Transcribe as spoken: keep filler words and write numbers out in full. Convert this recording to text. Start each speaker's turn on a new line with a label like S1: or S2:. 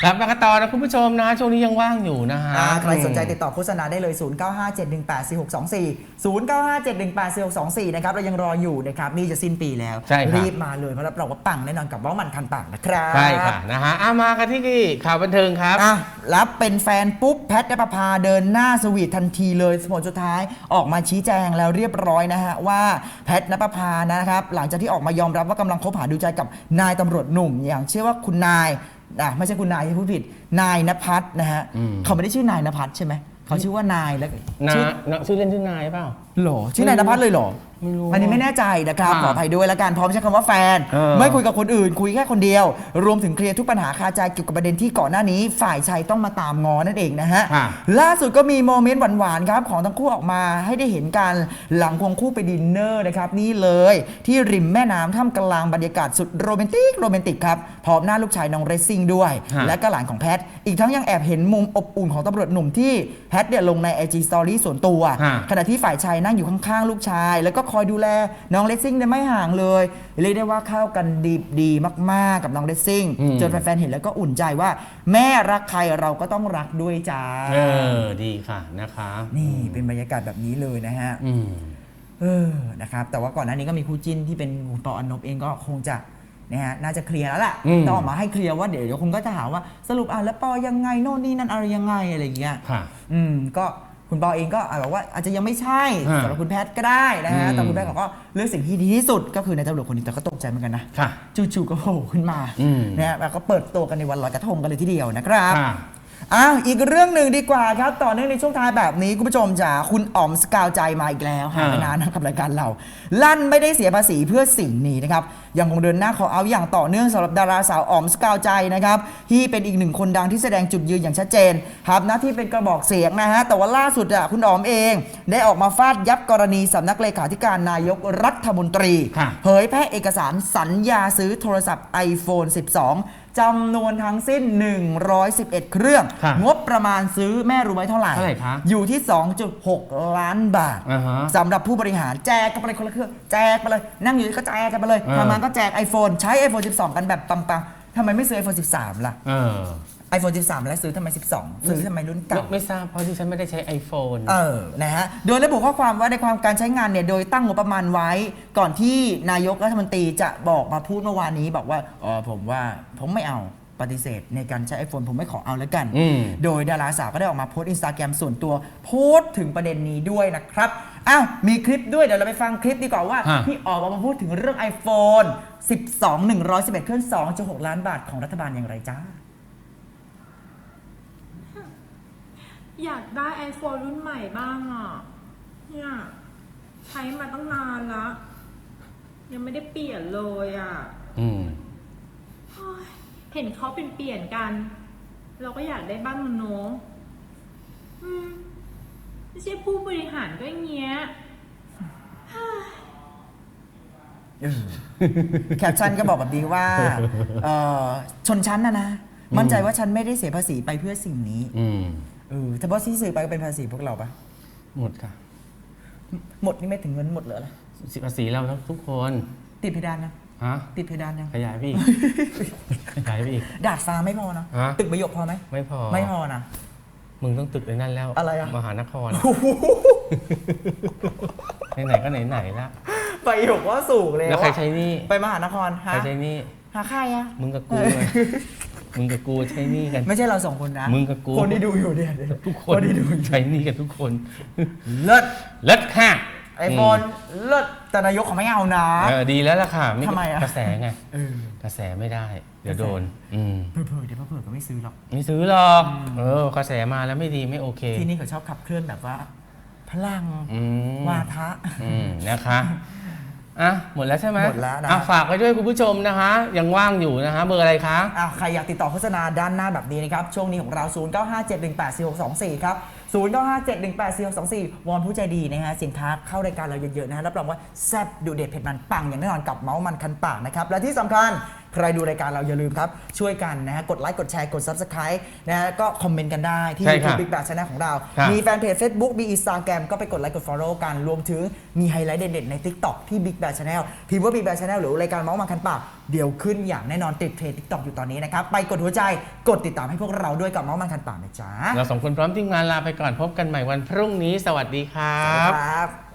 S1: ครับมากันต่อนะคุณผู้ชมนะช่วงนี้ยังว่างอยู่นะฮะ
S2: ใครสนใจติดต่อโฆษณาได้เลย ศูนย์ เก้า ห้า เจ็ด หนึ่ง แปด สี่ หก สอง สี่ ศูนย์ เก้า ห้า เจ็ด หนึ่ง แปด สี่ หก สอง สี่นะครับเรายังรออยู่นะครับนี่จะสิ้นปีแล้วรีบมาเลยเพราะรับรองว่าปังแน่นอนกับว่ามันคันปังนะครับ
S1: ใช่ค่ะนะฮะอ่ะมากันที่ข่าวบันเทิงครับ
S2: อ่ะรับเป็นแฟนปุ๊บแพทย์ณปภาเดินหน้าสวีททันทีเลยผลสุดท้ายออกมาชี้แจงแล้วเรียบร้อยนะฮะว่าแพทย์ณปภานะครับหลังจากที่ออกมายอมรับว่ากำลังคบหาดูใจกับนายตำรวจหนุ่มอย่างเชื่อว่าคุณนายอ่ะไม่ใช่คุณนายที่พูดผิดนายณภัทรนะฮะเขาไม่ได้ชื่อนายณภัทรใช่ไหมเขาชื่อว่านายแล้ว
S1: ชื่อชื่อเล่นชื่อนายเปล่า
S2: หรอชื่อนายณภัทรเลยหรออันนี้ไม่แน่ใจนะครับขออภัยด้วยละกันพร้อมใช้คำว่าแฟนไม่คุยกับคนอื่นคุยแค่คนเดียวรวมถึงเคลียร์ทุกปัญหาคาใจเกี่ยวกับประเด็นที่ก่อนหน้านี้ฝ่ายชายต้องมาตามงอนั่นเองนะฮะล่าสุดก็มีโมเมนต์หวานๆครับของทั้งคู่ออกมาให้ได้เห็นกันหลังควงคู่ไปดินเนอร์นะครับนี่เลยที่ริมแม่น้ำท่ามกลางบรรยากาศสุดโรแมนติกโรแมนติกครับพร้อมหน้าลูกชายน้องเรซซิ่งด้วยและก็หลานของแพทอีกทั้งยังแอบเห็นมุมอบอุ่นของตำรวจหนุ่มที่แพทเนี่ยลงใน ไอ จี Story ส่วนตัวขณะที่ฝ่ายชายนั่งอยู่ข้างๆลูกชายแล้วก็คอยดูแลน้องเลสซิ่งเนี่ยไม่ห่างเลยเรียกได้ว่าเข้ากันดีดีมากๆกับน้องเลสซิ่งจนแฟนๆเห็นแล้วก็อุ่นใจว่าแม่รักใครเราก็ต้องรักด้วยจ้า
S1: เออดีค่ะนะคะ
S2: นี่เป็นบรรยากาศแบบนี้เลยนะฮะเออนะครับแต่ว่าก่อนหน้านี้ก็มีคู่จิ้นที่เป็นคุณปอ อนนบเองก็คงจะนะฮะน่าจะเคลียร์แล้วแหละต้องออกมาให้เคลียร์ว่าเดี๋ยวเดี๋ยวคุณก็จะหาว่าสรุปอ่ะแล้วปอยังไงโน่นนี่นั่นอะไรยังไงอะไรอย่างเงี้ยอืมก็คุณปอเองก็บอกว่าอาจจะยังไม่ใช่สำหรับคุณแพทย์ก็ได้นะฮะแต่คุณแพทย์ก็เลือกสิ่งที่ดีที่สุดก็คือในตำรวจคนนี้แต่ก็ตกใจเหมือนกันนะจู่ๆก็โผล่ขึ้นมานะฮะแล้วก็เปิดตัวกันในวันลอยกระทงกันเลยทีเดียวนะครับอ้าวอีกเรื่องหนึ่งดีกว่าครับต่อเนื่องในช่วงท้ายแบบนี้คุณผู้ชมจ๋าคุณอ๋อมสกาวใจมาอีกแล้วหาไม่นานนะกับรายการเราลั่นไม่ได้เสียภาษีเพื่อสิ่งนี้นะครับยังคงเดินหน้าขอเอาอย่างต่อเนื่องสำหรับดาราสาวอ๋อมสกาวใจนะครับที่เป็นอีกหนึ่งคนดังที่แสดงจุดยืนอย่างชัดเจนครับหน้าที่เป็นกระบอกเสียงนะฮะแต่ว่าล่าสุดอ่ะคุณอ๋อมเองได้ออกมาฟาดยับกรณีสำนักเลขาธิการนายกรัฐมนตรีเผยแพร่เอกสารสัญญาซื้อโทรศัพท์ ไอโฟน สิบสองจำนวนทั้งสิ้นหนึ่งร้อยสิบเอ็ดเครื่องงบประมาณซื้อแม่รู้ไหมเท่าไหร่อยู่ที่ สองจุดหก ล้านบาทสำหรับผู้บริหารแจกกันไปเลยคนละเครื่องแจกไปเลยนั่งอยู่ก็แจกกันไปเลยทำงานก็แจก iPhone ใช้ ไอโฟน สิบสอง กันแบบปังๆทำไมไม่ซื้อ ไอโฟน สิบสาม ล่ะไอโฟน สิบสาม แล้วซื้อทำไม สิบสอง ซื้อทำไมรุ่นเก่า
S1: ไม่ทราบเพราะที่ฉันไม่ได้ใช้ iPhone
S2: เออนะฮะโดยระบุข้อความว่าในความการใช้งานเนี่ยโดยตั้งงบประมาณไว้ก่อนที่นายกรัฐมนตรีจะบอกมาพูดเมื่อวานนี้บอกว่าอ๋อผมว่าผมไม่เอาปฏิเสธในการใช้ iPhone ผมไม่ขอเอาแล้วกันโดยดาราสาวก็ได้ออกมาโพสต์ Instagram ส่วนตัวโพสต์ถึงประเด็นนี้ด้วยนะครับอ้าวมีคลิปด้วยเดี๋ยวเราไปฟังคลิปดีกว่าว่าที่ออกมาพูดถึงเรื่อง iPhone สิบสอง หนึ่งร้อยสิบเอ็ด เครื่อง สองจุดหก ล้านบาทของรัฐบาลอย่างไรจ้า
S3: อยากได้ iPhone รุ่นใหม่บ้างอ่ะเนี่ยใช้มาตั้งนานแล้วยังไม่ได้เปลี่ยนเลยอ่ะอืมเห็นเขาเป็นเปลี่ยนกันเราก็อยากได้บ้างเนาะอืมไม่ใช่ผู้บริหารก็อย่างเงี้ย
S2: แคปชั่นก็บอกแบบนี้ว่าชนชั้นนะนะมั่นใจว่าฉันไม่ได้เสียภาษีไปเพื่อสิ่งนี้เออแต่ว่าที่ซื้อไปก็เป็นภาษีพวกเราปะ
S1: หมดค่ะ
S2: หมดนี่ไม่ถึงเงินหมดเลยอะไร
S1: ภาษีเราทุกคน
S2: ติดเพดานนะ
S1: ฮะ
S2: ติดเพดานยัง
S1: ขยายพี่ขยายพี่
S2: ดาดฟ้าไม่พอนะตึกประโยคพอไหม
S1: ไม่พอ
S2: ไม่พอนะ
S1: มึงต้องตึกในนั้นแล้ว
S2: อะไรอะ
S1: มหานครไหนๆก็ไหนๆละ
S2: ประโยคว่าสูงเลย
S1: แล้วใครใช้นี่
S2: ไปมหานคร
S1: ใครใช้นี่
S2: หาใครอะ
S1: มึงกับกูเลยมึงกับกูใช้นี่กัน
S2: ไม่ใช่เราสองคนนะ
S1: มึงกับกู
S2: คนที่ดูอยู่เนี่ย
S1: ทุกคนที่ดูใช้นี่กันทุกคน
S2: เลิศ
S1: เลิศค่ะ
S2: ไอโฟนเลิศแต่นายกเขาไม่เอานะ
S1: เออดีแล้วล่ะค่ะ
S2: ทำไมอะ
S1: กระแสไงกระแสไม่ได้เดี๋ยวโดน
S2: เผื่อเดี๋ยวเผื่อก็ไม่ซื้อหรอก
S1: ไม่ซื้อหรอกเออกระแสมาแล้วไม่ดีไม่โอเค
S2: ที่นี่เขาชอบขับเคลื่อนแบบว่าพลังวาทะ
S1: นะคะอ่ะหมดแล้วใช่ไหม
S2: หมดแล้วนะ
S1: ฝากไว้ด้วยคุณผู้ชมนะคะยังว่างอยู่นะคะเบอร์อะไรคะ
S2: อ่ะใครอยากติดต่อโฆษณาด้านหน้าแบบนี้นะครับช่วงนี้ของเรา ศูนย์ เก้า ห้า เจ็ด หนึ่ง แปด สี่ หก สอง สี่ ครับ ศูนย์ เก้า ห้า เจ็ด หนึ่ง แปด สี่ หก สอง สี่ วอนผู้ใจดีนะฮะสินค้าเข้ารายการเราเยอะๆนะฮะรับรองว่าแซ่บดูเด็ดเผ็ดมันปังอย่างแน่นอนกับเมาส์มันคันปากนะครับและที่สำคัญใครดูรายการเราอย่าลืมครับช่วยกันนะฮะกดไลค์กดแชร์กด ซับสไครบ์ นะฮะก็คอมเมนต์กันได้ที่
S1: ใช่
S2: YouTube
S1: ค่ะ
S2: Big Bang Channel ของเรา
S1: ครับ
S2: มีแฟนเพจ Facebook มี Instagram ก็ไปกดไลค์กด Follow กันรวมถึงมีไฮไลท์เด็ดๆใน TikTok ที่ Big Bang Channel พิมพ์ว่า Big Bang Channel หรือรายการเมาส์มันคันปากเดี๋ยวขึ้นอย่างแน่นอนติดเทรนด์ TikTok อยู่ตอนนี้นะครับไปกดหัวใจกดติดตามให้พวกเราด้วยกับเมาส์มันคันปากนะจ๊ะ
S1: เราสองคนพร้อมทีมงานลาไปก่อนพบกันใหม่วันพรุ่งนี้สวัสดีครั
S2: สวัสดี
S1: บ
S2: ครับ